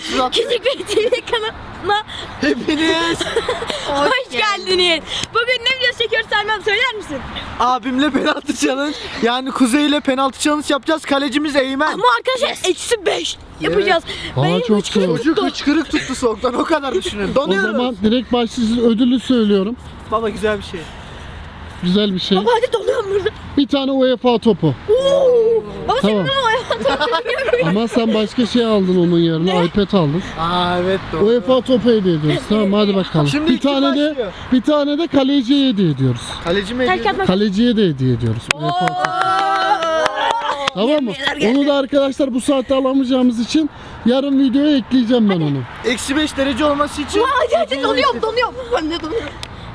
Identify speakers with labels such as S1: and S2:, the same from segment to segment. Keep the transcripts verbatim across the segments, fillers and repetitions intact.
S1: Rahatsız attı.
S2: Küçük bir T V kanalına
S1: Hepiniz
S2: hoş, hoş geldiniz. Bugün ne videosu çekiyoruz Selman, söyler misin?
S1: abimle penaltı challenge, yani Kuzey ile penaltı challenge yapacağız. Kalecimiz Eymen.
S2: Ama arkadaşlar eksi beş yapacağız.
S3: Aa,
S2: Benim
S3: çok
S2: hıçkırık
S3: soğuk.
S1: Çocuk
S2: tuttu.
S1: hıçkırık tuttu soğuktan, o kadar düşünün.
S3: O
S1: Donuyoruz.
S3: zaman direkt başta sizin ödülü söylüyorum.
S1: Baba güzel bir şey.
S3: Güzel bir şey.
S2: Baba hadi donuyorum burada.
S3: Bir tane UEFA topu.
S2: Oo. Baba
S3: Tamam.
S2: senin ama hayatım.
S3: Ama sen başka şey aldın onun yerine. iPad aldın.
S1: Aa evet doğru.
S3: UEFA topu hediye ediyoruz. Tamam hadi bakalım.
S1: Şimdi
S3: bir
S1: iki
S3: tane de
S1: başlıyor.
S3: bir tane de kaleciye hediye ediyoruz.
S1: Kaleci mi
S2: Terk
S1: ediyordu?
S2: atmak.
S3: Kaleciye de hediye ediyoruz. UEFA topu. Tamam mı?
S2: Yemeğler geldi.
S3: Onu da arkadaşlar bu saatte alamayacağımız için yarın videoya ekleyeceğim ben onu.
S1: Eksi beş derece olması için.
S2: Hadi hadi donuyorum donuyorum. Ben de donuyorum.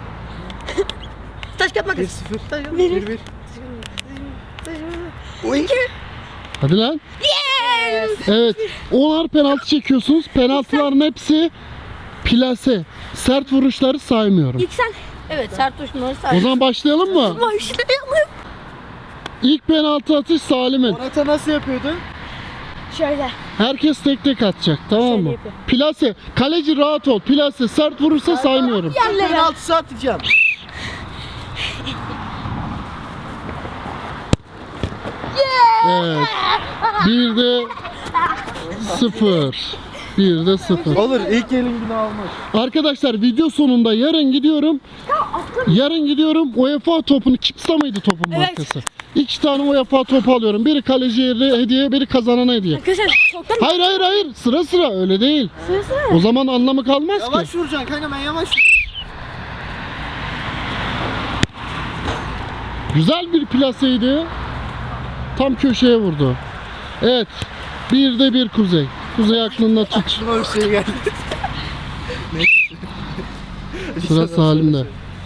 S2: Taş kağıt
S1: bir
S2: makas.
S1: sıfır.
S2: Bir.
S1: bir bir. Oy.
S3: Hadi lan.
S2: Yes.
S3: Evet. onar penaltı çekiyorsunuz. Penaltıların hepsi plase. Sert vuruşları saymıyorum.
S2: İlk sen. Evet sert tuşları
S3: O
S2: say.
S3: zaman başlayalım mı?
S2: Başlayalım.
S3: İlk penaltı atış Salim'in.
S1: Morata nasıl yapıyordu?
S2: Şöyle.
S3: Herkes tek tek atacak, tamam
S2: Şöyle
S3: mı?
S2: yapıyor.
S3: Plase. Kaleci rahat ol. Plase sert vurursa saymıyorum.
S2: Yerlere.
S1: Penaltısı atacağım.
S3: Evet. Bir de sıfır. Bir de sıfır.
S1: Olur, ilk elin günü almaz.
S3: Arkadaşlar video sonunda yarın gidiyorum. Yarın gidiyorum UEFA topunu. Kipsa mıydı topun
S2: Evet.
S3: markası? İki tane UEFA topu alıyorum. Biri kaleciye hediye, biri kazanana hediye.
S2: Arkadaşlar çoktan
S3: Hayır hayır hayır. Sıra sıra öyle değil.
S2: sırası.
S3: O zaman anlamı kalmaz ki.
S1: Yavaş vuracaksın kanka, ben yavaş vuruyorum.
S3: Güzel bir plaseydi. Tam köşeye vurdu. Evet. Bir de bir Kuzey. Kuzey aklında tut.
S1: Aklıma bir şey geldi.
S3: Sıra Salim'de.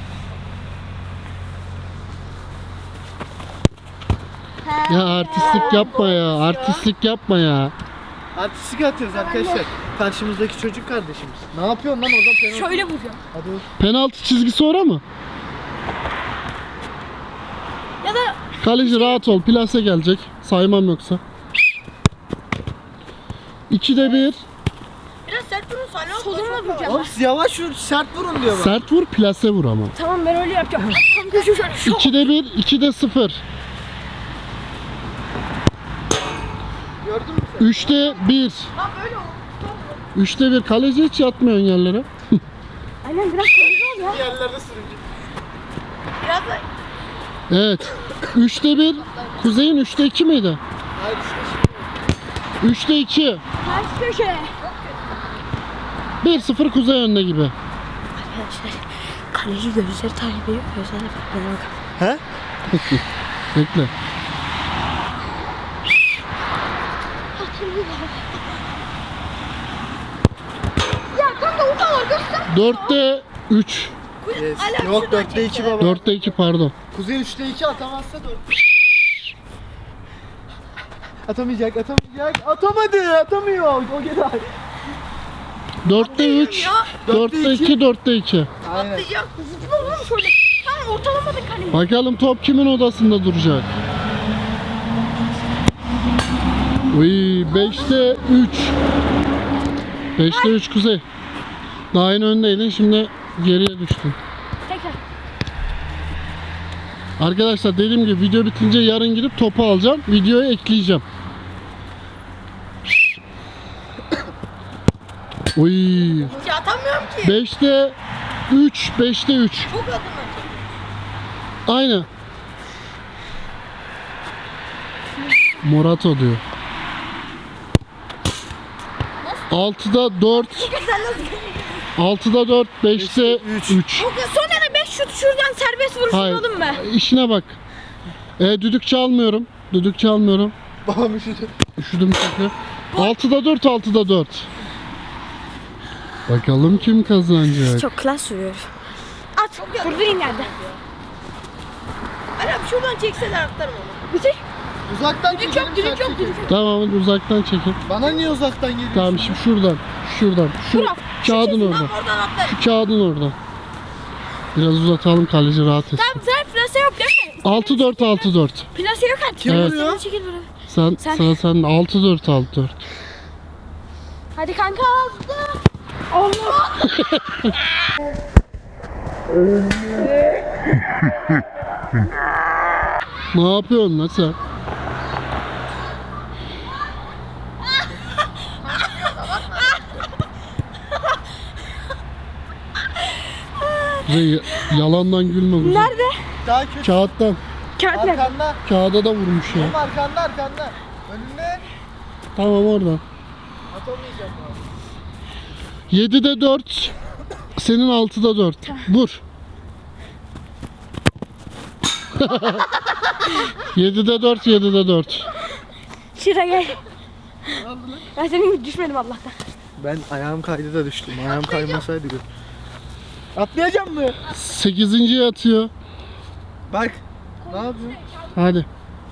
S3: Ya artistlik yapma ya. Artistlik yapma ya.
S1: Artistik atıyoruz arkadaşlar. Karşımızdaki çocuk kardeşimiz. Ne yapıyorsun lan orada penaltı?
S2: Şöyle vuracağım.
S1: Hadi.
S3: Penaltı çizgisi ora mı?
S2: Ya da
S3: Kaleci rahat ol. Plase gelecek. Saymam yoksa. İkide bir.
S2: biraz sert vurun sonra solumla vuracağım.
S1: Oğlum siz yavaş vur, sert vurun diyor bak.
S3: Sert vur, plase vur ama.
S2: Tamam ben öyle yapacağım. Tam köşe şöyle. Şok.
S3: İkide bir, ikide sıfır.
S1: Gördün mü sen?
S3: Üçte bir.
S2: Lan böyle oldu.
S3: Üçte bir. Kaleci hiç yatmıyorsun yerlere.
S2: Aynen biraz kırmızı ol ya.
S1: Yerlerde sürüncü.
S2: Biraz da
S3: Evet. Üçte bir. Kuzey'in üçte iki miydi?
S1: Hayır işte
S3: Üçte iki.
S2: ters köşe.
S3: Bir sıfır Kuzey önde gibi.
S2: Arkadaşlar kaleci gözleri takip ediyor. Gözlerine bakmaya bakın.
S1: He?
S3: Bekle.
S2: Ya kanka o kadar göster.
S3: Dörtte üç.
S1: Yes. Yok dörtte iki baba.
S3: Dörtte iki pardon.
S1: Kuzey üçte iki atamazsa dört. Atamayacak, atamayacak. Atamadı, atamıyor. O kadar.
S3: Dörtte üç. Dörtte iki, dörtte iki.
S1: Aynen.
S2: Ya zıpla oğlum şöyle. Tamam ortalamada kaleci.
S3: Bakalım top kimin odasında duracak? Uy, beşte üç. Beşte üç Kuzey. Daha yeni öndeydin, şimdi geriye düştün.
S2: Tekrar.
S3: Arkadaşlar dediğim gibi video bitince yarın gidip topu alacağım. Videoya ekleyeceğim. Uy.
S2: Hiç atamıyorum ki.
S3: beşte üç. beşte üç.
S2: Çok adım.
S3: Aynı. Morato diyor. altıda dört.
S2: Sen nasıl?
S3: altıda dört. beşte üç.
S2: Sonra da beş şut şuradan serbest vuruş
S3: Hayır.
S2: vuralım mı?
S3: İşine bak. E, düdük çalmıyorum. Düdük çalmıyorum.
S1: Babam üşüdü.
S3: Üşüdüm çünkü. altıda dört. altıda dört. Bakalım kim kazanacak.
S2: Çok klas vuruyor. At. Durdurayım yerde. Anam şuradan çekseler atlarım onu. Bitir.
S1: Uzaktan
S2: Düdük
S1: çekelim,
S2: yok, düdük
S1: sert
S2: yok,
S1: çekelim.
S2: düdük yok.
S3: Tamam hadi uzaktan çekin.
S1: Bana niye uzaktan geliyorsun?
S3: Tamam şimdi şuradan. Şuradan. Şu
S2: Bırak.
S3: kağıdın orada.
S2: Tamam oradan atlarım.
S3: Şu kağıdın orada. Biraz uzatalım, kaleci rahat etsin.
S2: Tamam sen plase yok değil mi?
S3: altı dört. altı dört.
S2: Plase yok artık.
S1: Kim
S3: Evet.
S1: vuruyor?
S2: Sen çekil buraya.
S3: Sen,
S2: Sen-
S3: Sıra sende. altı dört. altı dört.
S2: Hadi kanka hızlı. Allah.
S3: Ne yapıyorsun lan sen? Kuzey, yalandan gülme Kuzey.
S2: Nerede?
S1: Daha kötü.
S3: Kağıttan.
S2: Kağıt nerede?
S1: Arkanda.
S3: Kağıda da vurmuş ya.
S1: Oğlum arkanda arkanda. Önünde.
S3: Tamam oradan.
S1: Atamayacağım abi.
S3: yedide dört. Senin altıda dört. Vur. yedide dört, yedide dört.
S2: Şuraya gel. Ben senin gibi düşmedim Allah'tan.
S1: Ben ayağım kaydı da düştüm. Ayağım kaymasaydı gör. Atlayacağım mı?
S3: sekizinciye atıyor.
S1: Bak. Ne yapıyorsun?
S3: Hadi.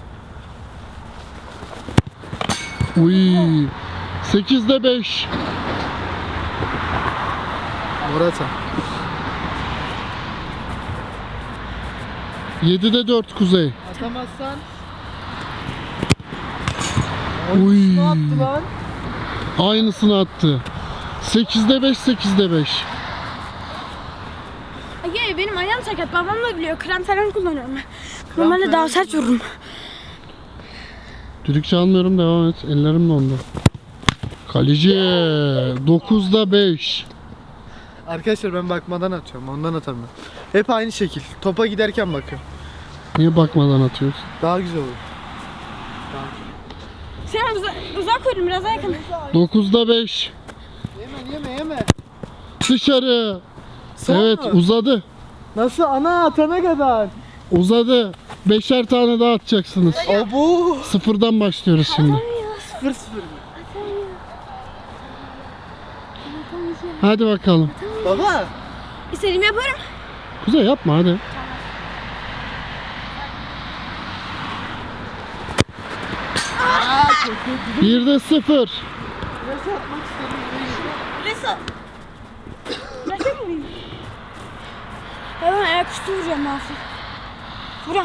S3: Uy. sekizde beş.
S1: Morata.
S3: yedide dört Kuzey.
S1: Atamazsan.
S3: Uy.
S1: Ne attı lan?
S3: Aynısını attı. sekizde beş, sekizde beş.
S2: Ay benim ayağım sakat. Babam da biliyor. Krem falan kullanıyorum ben. Normalde daha sert vururum.
S3: Düdük çalmıyorum, devam et. Ellerim dondu. Kaleci dokuzda beş.
S1: Arkadaşlar ben bakmadan atıyorum. Ondan atamıyorum. Hep aynı şekil. Topa giderken bakıyorum.
S3: Niye bakmadan atıyorsun?
S1: Daha güzel olur.
S2: Sen uza uzak koydun biraz daha yakın.
S3: dokuzda beş.
S1: Yeme yeme yeme.
S3: Dışarı.
S1: Son
S3: Evet,
S1: mu?
S3: uzadı.
S1: Nasıl ana atana kadar?
S3: Uzadı. Beşer tane daha atacaksınız.
S1: Abu.
S3: Sıfırdan başlıyoruz şimdi.
S1: Sıfır sıfır.
S3: Hadi bakalım.
S1: Baba.
S2: İstediğimi yaparım.
S3: Kuzey yapma hadi. Birde sıfır.
S1: Nasıl atmak istedim?
S2: Resul. Resul muyum? Hemen ayaküstü vuracağım Mahsun. Vuram.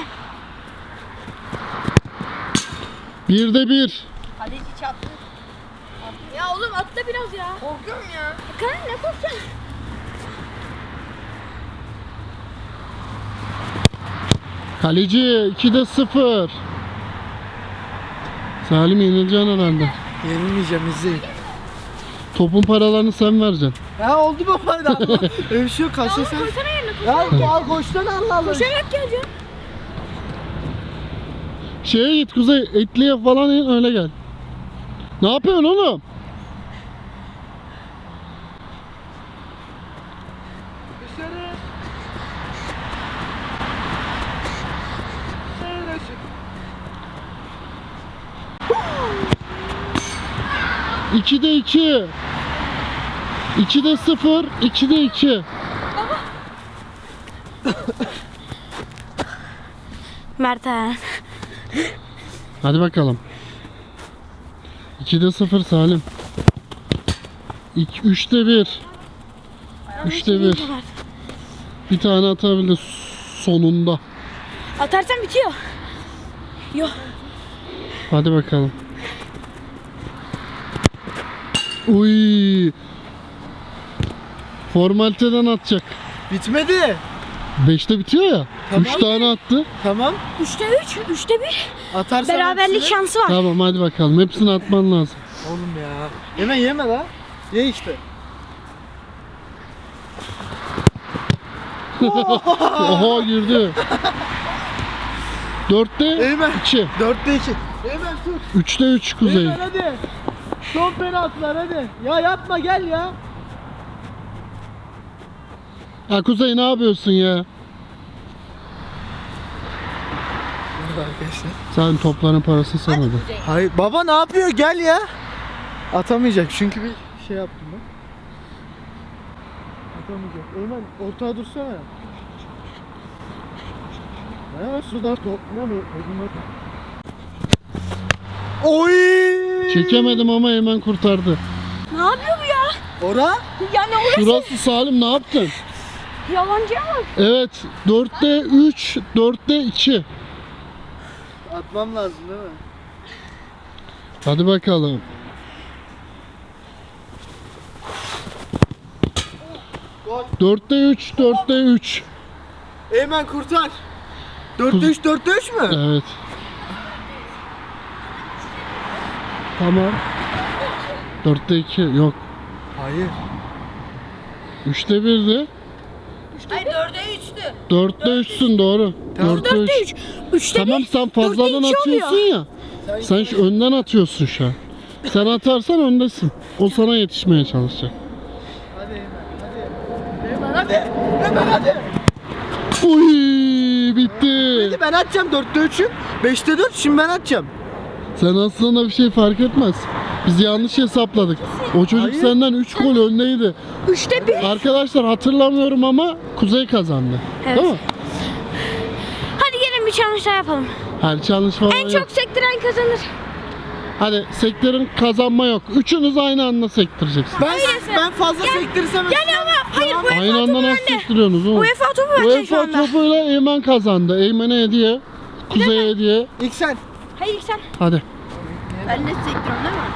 S3: Birde bir.
S2: Kaleci çarptı. Ya oğlum atla biraz ya. Korkuyorum ya. Kanka ne korkacaksın?
S3: Kaleci ikide sıfır. Salim yenileceksin herhalde.
S1: Yenilmeyeceğim izleyin.
S3: Topun paralarını sen vereceksin.
S1: Ha oldu baba da. Öyle bir şey yok. Kaçta sen?
S2: Koysana yerine koy.
S1: Ya al koştan Allah Allah.
S2: Koşarak geleceğim.
S3: Şeye git Kuzey, etliye falan in öyle gel. Ne yapıyorsun oğlum?
S1: Dışarı. Dışarı çık.
S3: ikide iki. ikide sıfır, ikide iki.
S2: Mert'e.
S3: Hadi bakalım. ikide sıfır Salim. üçte bir. üçte bir. Bir tane atabildi sonunda.
S2: Atarsan bitiyor. Yok.
S3: Hadi bakalım. Uy. Formaliteden atacak.
S1: Bitmedi.
S3: beşte bitiyor ya.
S1: Tamam.
S3: üç tane attı.
S1: Tamam.
S2: Üçte üç, üçte bir.
S1: Atarsan
S2: Beraberlik
S1: hepsini-
S2: şansı var.
S3: Tamam hadi bakalım. Hepsini atman lazım.
S1: Oğlum ya. Yeme yeme la. Ye işte.
S3: Oha girdi. dörtte
S1: Eymen.
S3: iki.
S1: Dörtte iki. Hemen tut.
S3: üçte üç Kuzey.
S1: Eymen hadi. Son penaltılar hadi. Ya yapma gel ya.
S3: Ha Kuzey ne yapıyorsun ya?
S1: Arkadaşlar.
S3: Sen topların parasını sen öde.
S1: Hayır baba ne yapıyor gel ya. Atamayacak çünkü bir şey yaptım ben. Atamayacak. Eymen ortaya dursana. Ha suda toplamıyor. Oy!
S3: Çekemedim ama hemen kurtardı.
S2: Ne yapıyor bu ya?
S1: Ora?
S2: Yani orası
S3: Şurası Salim, ne yaptın?
S2: yalancıya bak.
S3: Evet, dörtte üç, dörtte iki.
S1: Atmam lazım değil mi?
S3: Hadi bakalım. dörtte üç, dörtte üç.
S1: Eymen kurtar. dörtte üç, dörtte üç mü?
S3: Evet. Tamam. dörtte iki yok.
S1: Hayır.
S3: üçte birdi.
S2: Hayır dörde üçtü.
S3: dörtte üçsün doğru. dörtte üç.
S2: Üçte
S3: Tamam sen fazladan atıyorsun ya. Sen şu önden atıyorsun şu an. Sen atarsan öndesin. O sana yetişmeye çalışacak.
S1: Hadi Eymen. Hadi. Eymen hadi. Eymen hadi.
S3: Uy bitti.
S1: Hadi ben atacağım dörtte üçü. beşte dört şimdi ben atacağım.
S3: Sen aslında bir şey fark etmez. Biz yanlış hesapladık. O çocuk
S1: Hayır.
S3: senden üç gol öndeydi.
S2: Üçte bir.
S3: Arkadaşlar hatırlamıyorum ama Kuzey kazandı.
S2: Evet.
S3: Değil mi?
S2: Hadi gelin bir challenge daha yapalım.
S3: Her challenge falan
S2: En
S3: yok.
S2: çok sektiren kazanır.
S3: Hadi sektirin kazanma yok. Üçünüz aynı anda sektireceksiniz.
S1: Ben ben fazla sektirirsem
S2: Yani ama hayır bu
S3: Aynı anda nasıl sektiriyorsunuz oğlum?
S2: UEFA topu vereceksin şu
S3: UEFA
S2: anda.
S3: topuyla Eymen kazandı. Eymen'e hediye. Kuzey'e hediye.
S1: İlk sen.
S2: Hayır sen.
S3: Hadi.
S2: Ben de sektiriyorum değil mi?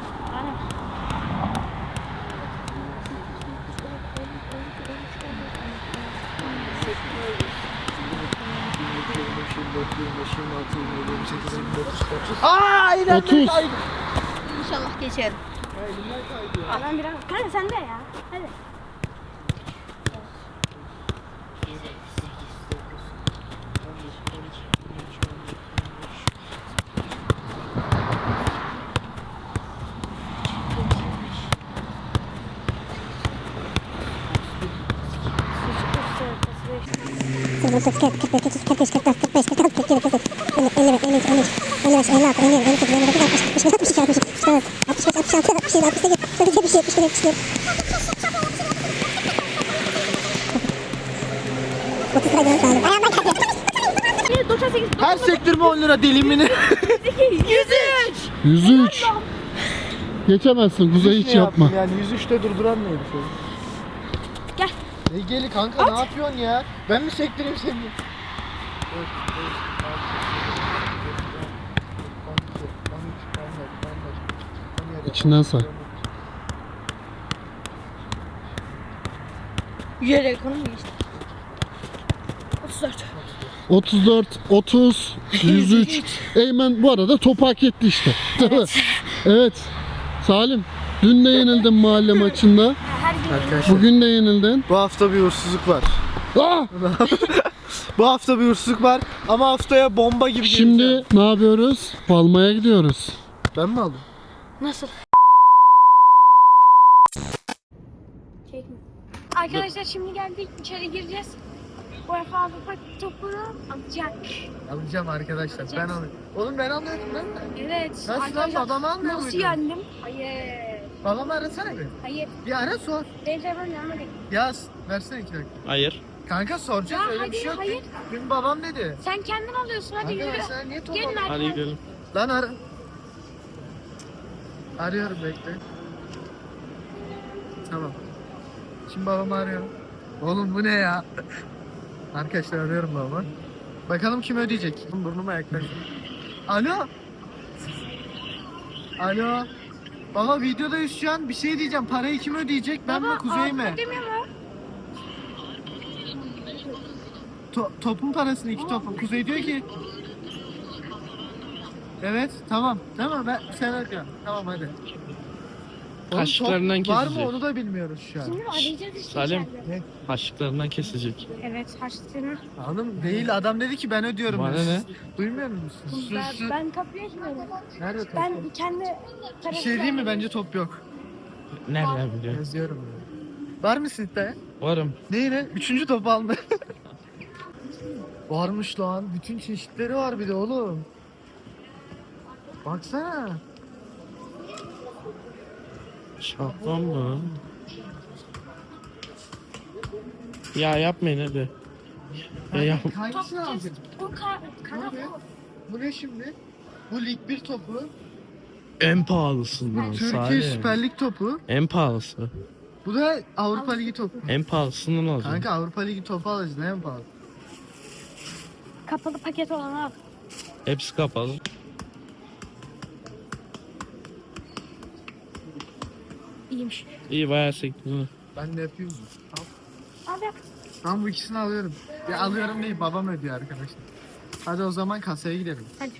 S1: Aa elimden
S3: otuz.
S1: kaydı.
S2: İnşallah geçerim.
S1: Elimden kaydı ya.
S2: Ben biraz. Kanka sen de ya. Hadi. doksan sekiz.
S1: Her sektirme on lira dilimini.
S2: yüz üç.
S3: yüz üç. Geçemezsin. Kuzey hiç yapma.
S1: Yani yüz üçte durduran neydi şöyle?
S2: Gel.
S1: Ne geli kanka ne yapıyorsun ya? Ben mi sektireyim seni?
S3: İçinden say.
S2: Yere ekonomi geçti. otuz dört.
S3: otuz dört, otuz, yüz üç. Eymen bu arada topu hak etti işte. Değil mi? Evet. Salim, dün de yenildin mahalle maçında.
S2: Her gün.
S1: Arkadaşlar
S3: Bugün de yenildin.
S1: bu hafta bir uğursuzluk var.
S3: Ah!
S1: Bu hafta bir uğursuzluk var ama haftaya bomba gibi geleceğim.
S3: Şimdi ne yapıyoruz? Palmaya gidiyoruz.
S1: Ben mi aldım?
S2: Nasıl? Çekme. Arkadaşlar şimdi geldik içeri gireceğiz. UEFA Avrupa topunu alacak.
S1: Alacağım arkadaşlar. Ben alayım. Oğlum ben alıyorum değil mi?
S2: Evet.
S1: Nasıl lan,
S2: arkadaşlar,
S1: babam almıyor
S2: Nasıl
S1: muydu?
S2: yendim? Hayır.
S1: Babamı arasana bir.
S2: Hayır.
S1: Bir ara sor.
S2: Benim telefonum yanmadı.
S1: Yaz. Versene iki dakika.
S4: Hayır.
S1: Kanka soracağız
S2: Ya
S1: öyle
S2: hadi,
S1: bir şey yok.
S2: hayır.
S1: Dün babam dedi.
S2: Sen kendin alıyorsun hadi
S1: Kanka ben
S2: yürü.
S1: sana niye top
S2: Gelin
S1: alayım?
S4: Hadi
S2: arkadaşlar.
S4: gidelim.
S1: Lan ara. Arıyorum bekle. Tamam. Şimdi babamı arıyorum. Oğlum bu ne ya? Arkadaşlar arıyorum babamı. Bakalım kim ödeyecek? Burnuma yaklaştı. Alo. Alo. Baba videodayız şu an. Bir şey diyeceğim. Parayı kim ödeyecek? Ben mi Kuzey mi?
S2: Avrupa demiyor mu?
S1: To- topun parasını iki topun. Kuzey diyor ki. Evet tamam. Tamam ben sen arıyorum. Tamam hadi. Oğlum,
S4: Kaşıklarından
S1: top var mı
S4: kesecek.
S1: onu da bilmiyoruz şu an.
S2: Şimdi arayacağız işte
S4: Salim.
S2: içeride.
S1: Ne?
S4: Haşlıklarından kesecek.
S2: Evet harçlığını.
S1: Hanım değil adam dedi ki ben ödüyorum.
S4: Bana
S1: dedi.
S4: ne?
S1: Duymuyor musun? Sus,
S2: Ben,
S1: sus.
S2: ben kapıya açmıyorum.
S1: Nerede top?
S2: Ben
S1: yok?
S2: kendi
S1: Bir
S2: tarafı.
S1: şey diyeyim mi? Bence top yok.
S4: Nereden biliyorsun?
S1: Yazıyorum. ya. Var mısın iddiaya?
S4: Varım.
S1: Ne yine? Üçüncü top aldı. Varmış lan. Bütün çeşitleri var bir de oğlum. Baksana.
S4: Şapkan mı? Ya yapmayın hadi. Ya yap.
S1: Hangisini aldın?
S2: Bu ka kanat
S1: Bu ne?
S2: bu.
S1: Bu ne şimdi? Bu Lig bir topu.
S4: En pahalısından
S1: Türkiye
S4: Salim.
S1: Süper Lig topu.
S4: En pahalısı.
S1: Bu da Avrupa Ligi topu.
S4: En pahalısından alacağım.
S1: Kanka Avrupa Ligi topu alacaksın en pahalı.
S2: Kapalı paket olanı al.
S4: Hepsi kapalı.
S2: İyiymiş.
S4: İyi bayağı sektin.
S1: Ben de yapayım mı? Al.
S2: Al yap.
S1: Ben bu ikisini alıyorum. Ya alıyorum değil, babam ödüyor arkadaşlar. Hadi o zaman kasaya gidelim.
S2: Hadi.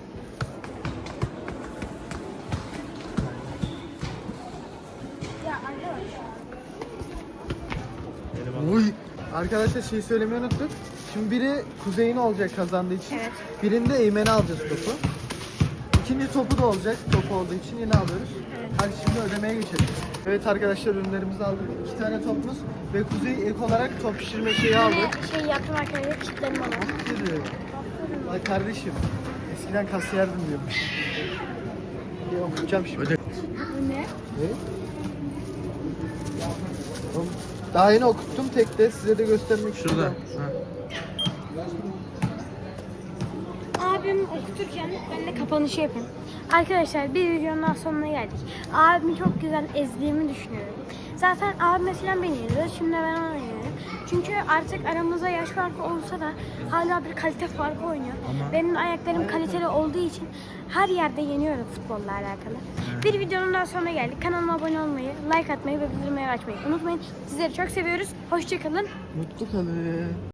S2: Ya arkadaşlar.
S1: Uy. Arkadaşlar şey söylemeyi unuttuk. Şimdi biri Kuzey'in olacak kazandığı için.
S2: Evet.
S1: Birinde Eymen'e alacağız topu. İkinci topu da olacak topu olduğu için yine alıyoruz. Hadi şimdi ödemeye geçelim. Evet arkadaşlar ürünlerimizi aldık. İki tane topumuz ve Kuzey ek olarak top pişirme şeyi aldı.
S2: Yine şey yaptım arkadaşlar. Kitlerim bana.
S1: Dedi. Ay kardeşim. Eskiden kasiyerdim diyormuş. Bir okuyacağım şimdi.
S4: Öde.
S2: Bu ne?
S1: Ne? Oğlum, daha yeni okuttum tek de size de göstermek
S4: Şurada.
S1: istiyorum.
S4: Ha.
S2: Abim okuturken ben de kapanışı yapayım. Arkadaşlar bir videonun daha sonuna geldik. Abimi çok güzel ezdiğimi düşünüyorum. Zaten abim mesela beni yeniyor. Şimdi ben onu yeniyorum. Çünkü artık aramızda yaş farkı olsa da hala bir kalite farkı oynuyor.
S4: Ama-
S2: Benim ayaklarım kaliteli olduğu için her yerde yeniyorum futbolla alakalı. Bir videonun daha sonuna geldik. Kanalıma abone olmayı, like atmayı ve bildirimleri açmayı unutmayın. Sizleri çok seviyoruz. Hoşçakalın.
S1: Mutlu kalın.